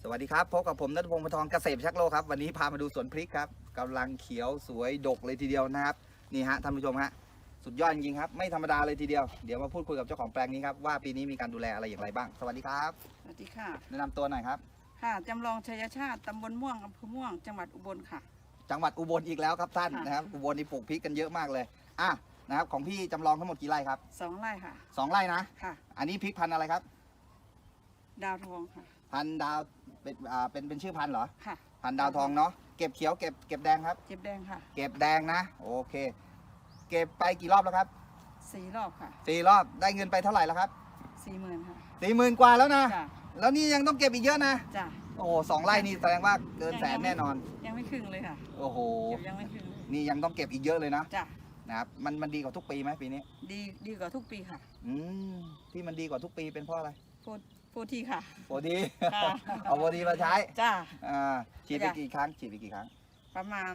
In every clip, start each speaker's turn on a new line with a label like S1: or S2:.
S1: สวัสดีครับพบกับผมณัฐพงศ์ ปทองเกษตรชักโลกครับวันนี้พามาดูสวนพริกครับกำลังเขียวสวยดกเลยทีเดียวนะครับนี่ฮะท่านผู้ชมฮะสุดยอดจริงๆครับไม่ธรรมดาเลยทีเดียวเดี๋ยวมาพูดคุยกับเจ้าของแปลงนี้ครับว่าปีนี้มีการดูแลอะไรอย่างไรบ้างสวัสดีครับ
S2: สวัสดีค่ะ
S1: แนะนำตัวหน่อยครับ
S2: ค่ะจำลองชัยชาติตำบลม่วงอำเภอม่วงจังหวัดอุบลค่ะ
S1: จังหวัดอุบลอีกแล้วครับท่านนะครับอุบลนี่ปลูกพริกกันเยอะมากเลยนะครับของพี่จำลองทั้งหมดกี่ไร่ครับ
S2: 2 ไร่ค่ะ
S1: 2 ไร่นะ
S2: ค่ะ
S1: อันนี้พริกพันธุ์อะไรครับ
S2: ดาวทองค่ะ
S1: พันธุ์ดาวเป็นชื่อพันธุ์เหรอ
S2: ค่ะ
S1: พันธุ์ดาวทองเนาะเก็บเขียวเก็บแดงครับ
S2: เจ็บแดงค่ะ
S1: เก็บแดงนะโอเคเก็บไปกี่รอบแล้วครับ
S2: 4 รอบค่ะ
S1: 4 รอบได้เงินไปเท่าไหร่แล้วครับ
S2: 40,000ค่ะ
S1: 40,000 กว่าแล้วนะ
S2: จ้ะ
S1: แล้วนี่ยังต้องเก็บอีกเยอะนะ
S2: จ้ะ
S1: โอ้โห2 ไร่นี่แสดงว่าเกินแสนแน่นอน
S2: ยังไม่ครึ่งเลยค่ะ
S1: โอ้โห
S2: เก็บยังไม่ครึ่งเลย
S1: นี่ยังต้องเก็บอีกเยอะเลยนะ
S2: จ้ะ
S1: นะครับมันดีกว่าทุกปีไหมปีนี้
S2: ดีกว่าทุกปีค่ะ
S1: อืมที่มันดีกว่าทุกปีเป็นเพราะอะไร
S2: โฟทีค่ะ
S1: โฟดี
S2: ค่ะ
S1: เอาโฟดีมาใช้
S2: จ้ะ
S1: ฉีดไปกี่ครั้งฉีดไปกี่ครั้ง
S2: ประมาณ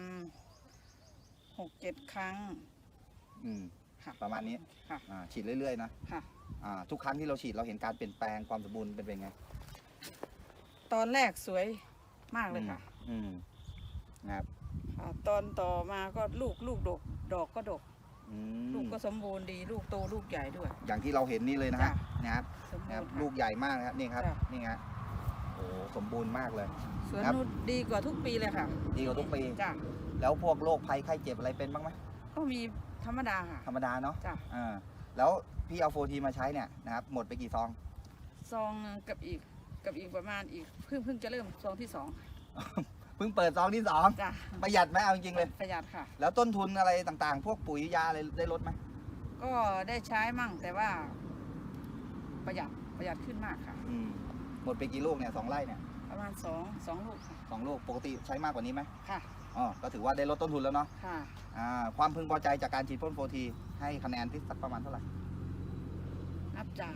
S2: 6-7 ครั้งค่ะ
S1: ประมาณนี้
S2: ค่ะ
S1: ฉีดเรื่อยๆนะ
S2: ค่ะ
S1: ทุกครั้งที่เราฉีดเราเห็นการเปลี่ยนแปลงความสมบูรณ์เป็นไง
S2: ตอนแรกสวยมากเลยค่ะ
S1: นะครับ
S2: ตอนต่อมาก็ลูกดอกก็ดกลูกก็สมบูรณ์ดีลูกโตลูกใหญ่ด้วย
S1: อย่างที่เราเห็นนี่เลยนะฮะนะครับลูกใหญ่มากนะครับนี่ครับนี่ฮะโอ้สมบูรณ์มากเลย
S2: สวนนุชดีกว่าทุกปีเลยค่ะ
S1: ดีกว่าทุกปี
S2: จ้ะ
S1: แล้วพวกโรคภัยไข้เจ็บอะไรเป็นบ้างไหม
S2: ก็มีธรรมดาค่ะ
S1: ธรรมดาเนาะ
S2: จ้ะ
S1: แล้วพี่เอาโฟทีมาใช้เนี่ยนะครับหมดไปกี่ซอง
S2: กับอีกประมาณอีกเพิ่งจะเริ่มซองที่ 2
S1: เพิ่งเปิดซองที่2
S2: จ้ะ
S1: ประหยัดไหมเอาจริงๆเลย
S2: ประหยัดค่ะ
S1: แล้วต้นทุนอะไรต่างๆพวกปุ๋ยยาอะไรได้ลดไหม
S2: ก็ได้ใช้มั่งแต่ว่าประหยัดขึ้นมากค่ะ
S1: หมดไปกี่ลูกเนี่ย2 ไร่เนี่ย
S2: ประมาณ2 ลูกค่ะ
S1: 2 ลูกปกติใช้มากกว่านี้ไหม
S2: ค่ะ
S1: ก็ถือว่าได้ลดต้นทุนแล้วเนาะ
S2: ค่ะ
S1: ความพึงพอใจจากการฉีดพ่นโฟทีให้คะแนนที่สักประมาณเท่าไหร่
S2: นับจาก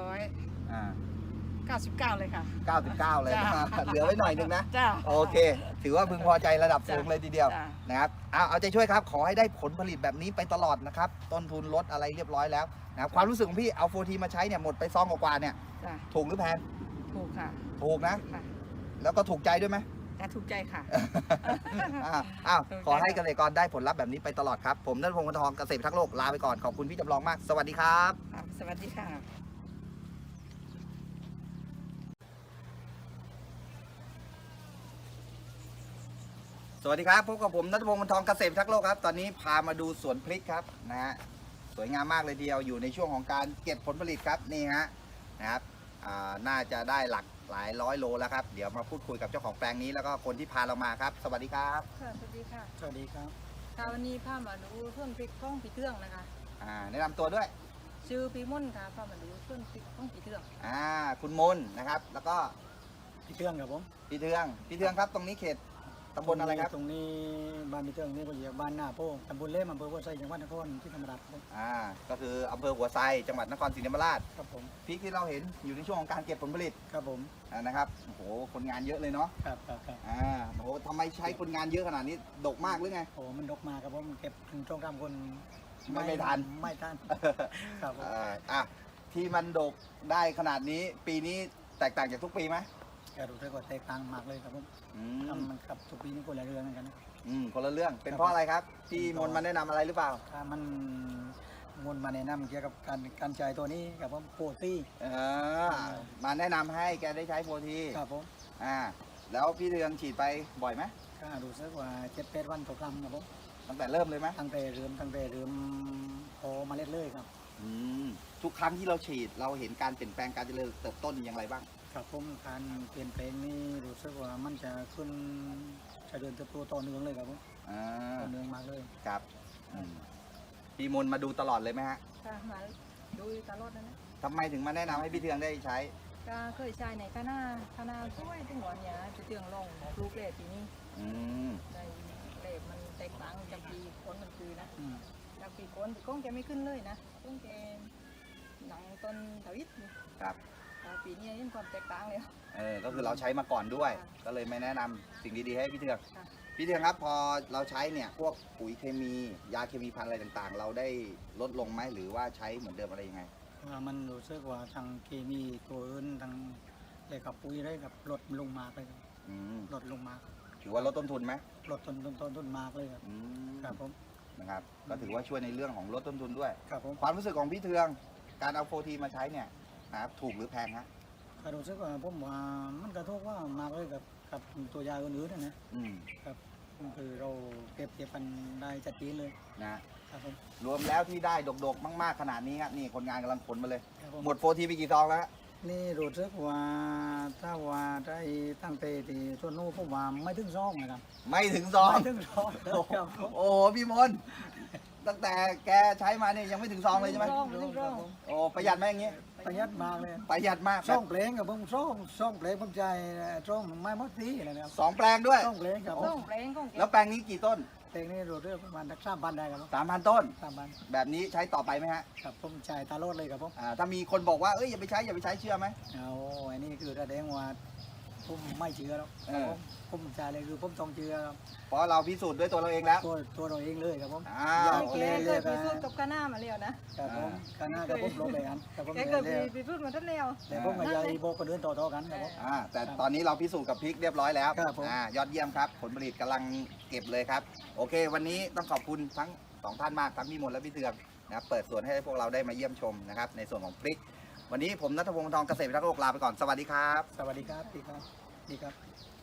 S2: 199เลยค่ะ
S1: 99เลยเหลือไว้หน่อยนึงนะ
S2: จ้า
S1: โอเคถือว่าพึงพอใจระดับสูงเลยทีเดียวนะครับเอาใจช่วยครับขอให้ได้ผลผลิตแบบนี้ไปตลอดนะครับต้นทุนลดอะไรเรียบร้อยแล้วนะครับความรู้สึกของพี่เอาโฟทีมาใช้เนี่ยหมดไปซองกว่าเนี่ยถูกหรือแพง
S2: ถูกค่ะ
S1: ถูกนะแล้วก็ถูกใจด้วยไหม
S2: ถูกใจค่ะ
S1: ขอให้เกษตรกรได้ผลลัพธ์แบบนี้ไปตลอดครับผมณัฐพงศ์ ปทองเกษตรทักโลกลาไปก่อนขอบคุณพี่จำลองมากสวัสดีครับ
S2: สวัสดีค่ะ
S1: สวัสดีครับพบกับผมณัฐพงศ์ ปทองเกษตรทักโลกครับตอนนี้พามาดูสวนพริกครับนะฮะสวยงามมากเลยเดียวอยู่ในช่วงของการเก็บผลผลิตครับนี่ฮะนะครับน่าจะได้หลายร้อยโลแล้วครับเดี๋ยวมาพูดคุยกับเจ้าของแปลงนี้แล้วก็คนที่พาเรามาครับสวัสดีครับ
S2: สวัสดีค่ะ
S1: สวัสดีครับ
S2: วันนี้พามาดูต้นพริกข้องผีเทืองนะคะ
S1: แนะนำตัวด้วย
S2: ชื่อพี่มุ่นค่ะพามาดูต้นพริกข้องผีเทือง
S1: คุณมนนะครับแล้วก็
S3: พี่เทืองครับผม
S1: พี่เทืองครับตรงนี้เขตตำบลอะไรครับ
S3: ตรงนี้บ้านพี่เทืองนี่ก็อยู่บ้านหน้าโพตำบลเล่มอำเภอหัวไซจังหวัดนครศรีธรรมราชครับ
S1: ก็คืออำเภอหัวไซจังหวัดนครศรีธรรมราช
S3: ครับผม
S1: พริกที่เราเห็นอยู่ในช่วงของการเก็บผลผลิต
S3: ครับผม
S1: นะครับโอ้โหคนงานเยอะเลยเนาะ
S3: ครับ
S1: โอ้โหทำไมใช้คนงานเยอะขนาดนี้ดกมากหรือไง
S3: โอ้มันดกมากครับผมเก็บถึงช่วงกลางคน
S1: ไม่ทัน
S3: ครับ
S1: ที่มันดกได้ขนาดนี้ปีนี้แตกต่างจากทุกปีไหม
S3: ก็ดูได้ก็แตกต่างมากเลยครับผมมันกับทุกปีนี้คนละเรื่องเหมือนกัน
S1: คนละเรื่องเป็นเพราะอะไรครับที่มนมาแนะนำอะไรหรือเปล่า
S3: มันมนมาแนะนำเกี่ยวกับการใช้ตัวนี้กับผมโฟที
S1: มาแนะนำให้แกได้ใช้โฟที
S3: ครับผม
S1: แล้วพี่เทืองฉีดไปบ่อยไหม
S3: ก็ดูสักว่า7-8 วันต่อครั้งครับผม
S1: ตั้งแต่เริ่มเลยไหม
S3: ตั้งแต่เริ่มพอมาเลยครับ
S1: ทุกครั้งที่เราฉีดเราเห็นการเปลี่ยนแปลงการเจริญเติบโตอย่างไรบ้าง
S3: ครับผมการเปลี่ยนแปลงนี้รู้สึกว่ามันจะขึ้นจะเดินเติบโตต่อเนื่องเลยครับผมต่อเนื่องมากเลย
S1: ครับพี่มนมาดูตลอดเลยไหมฮะ
S2: ค่ะมาดูตลอดนะ
S1: ทำไมถึงมาแนะนำให้พี่เทืองได้ใช้
S2: ก็เคยใช้ในคณะช่วยถึงหน่อยเนี่ยจะเตืองลงลูกเล็บปีนี้ในเล็บมันแตกต่างจากปีก้นมันคือนะจากปีก้นแกไม่ขึ้นเลยนะก้นแกหนังต้นถวิท
S1: ครับ
S2: ปีนี้เห็นความแตกต่างเลย
S1: ก็คือเราใช้มาก่อนด้วยก็เลยไม่แนะนำสิ่งดีๆให้พี่เทืองครับพอเราใช้เนี่ยพวกปุ๋ยเคมียาเคมีพันธุ์อะไรต่างๆเราได้ลดลงไหมหรือว่าใช้เหมือนเดิมอะไรยังไง
S3: มันรู้สึกว่าทางเคมีตัวอื่นทางเลยกับปุ๋ยได้กับลดลงมากเลยครับ
S1: อืม
S3: ลดลงมาก
S1: ถือว่าลดต้นทุนไหม
S3: ลดต้นมากเลยครับ
S1: อืม
S3: ครับผม
S1: นะครับก็ถือว่าช่วยในเรื่องของลดต้นทุนด้วย
S3: ครับผม
S1: ความรู้สึกของพี่เทืองการเอาโฟทีมาใช้เนี่ยนะครับถูกหรือแพงฮะ
S3: ก็รู้สึกว่าผมว่ามันกระทบว่ามากเลยกับตัวยาอื่นๆนะ
S1: อืม
S3: คือเราเปรียบเทียบกันได้ชัดเจนเลย
S1: นะครับ
S3: ผม
S1: รวมแล้วที่ได้ดกๆมากๆขนาดนี้ครับนี่คนงานกำลังขนมาเลย
S3: ครับผม
S1: หมดโฟทีไปกี่ซองแล้วฮะ
S3: นี่รู้สึกว่าถ้าว่าได้ตั้งแต่ที่ส่วนนู้นผมว่าไม่ถึงซองนะครับ
S1: ไม่ถึงซอง
S3: ไม่ถึงซองครับผม
S1: โอ้โหพี่มนต์ตั้งแต่แกใช้มาเนี่ยยังไม่ถึงซองเลยใช่ไหม
S2: ร่องร่อง
S1: โอ้ประหยัดไหมอย่างงี้
S3: ประหยัดมากเลย
S1: ประหยัดมาก
S3: ซ่องเพลงกับผมซ่องเพลงผมใจซ่องไม้มดสีอะไรนะครับ
S1: สองแปลงด้วย
S3: ซ่องเพลงกับผ
S2: ร่อ
S3: ม
S2: งแปลงของแก
S1: แล้วแปลงนี้กี่ต้น
S3: เพลงนี้รู้เรื่องประมาณสัก3,000ได้ครับผม
S1: 3,000 ต้น
S3: 3,000
S1: แบบนี้ใช้ต่อไปไหมฮะ
S3: ครับผมใจตาโลดเลยครับผม
S1: ถ้ามีคนบอกว่าเอ้ยอย่าไปใช้เชื่อไหม
S3: เอาอันนี้คือแสดงว่าผมไม่เชื่อหรอก
S1: เออ
S3: ผมใจเลยคือผมต้องเชื่อครับ
S1: เพราะเราพิสูจน์ด้วยตัวเราเองแล้ว
S3: ตัวเราเองเลยครับผม
S1: อ้าว
S2: แกเคยไปสู้กับกาหน้ามาแล้วนะครับ
S3: ผมกันหน้ากับผมลงไปกันกับผม
S2: แกเคยไปสู้มาทั้งแล้ว
S3: แต่ผมกับยายโบกันเดินต่อๆกันครับผม
S1: แต่ตอนนี้เราพิสูจน์กับพริกเรียบร้อยแล้ว
S3: ครับผม
S1: ยอดเยี่ยมครับผลผลิตกำลังเก็บเลยครับ โอเค วันนี้ต้องขอบคุณทั้งสองท่านมากทั้งพี่มนต์และพี่เทืองนะครับเปิดสวนให้พวกเราได้มาเยี่ยมชมนะครับในส่วนของพริก วันนี้ผมณัฐพงศ์ วงศ์ทองเกษตรพิทักษ์โลกลาไปก่อนสวัสดีครับ
S3: สวัสดีครับดีครับ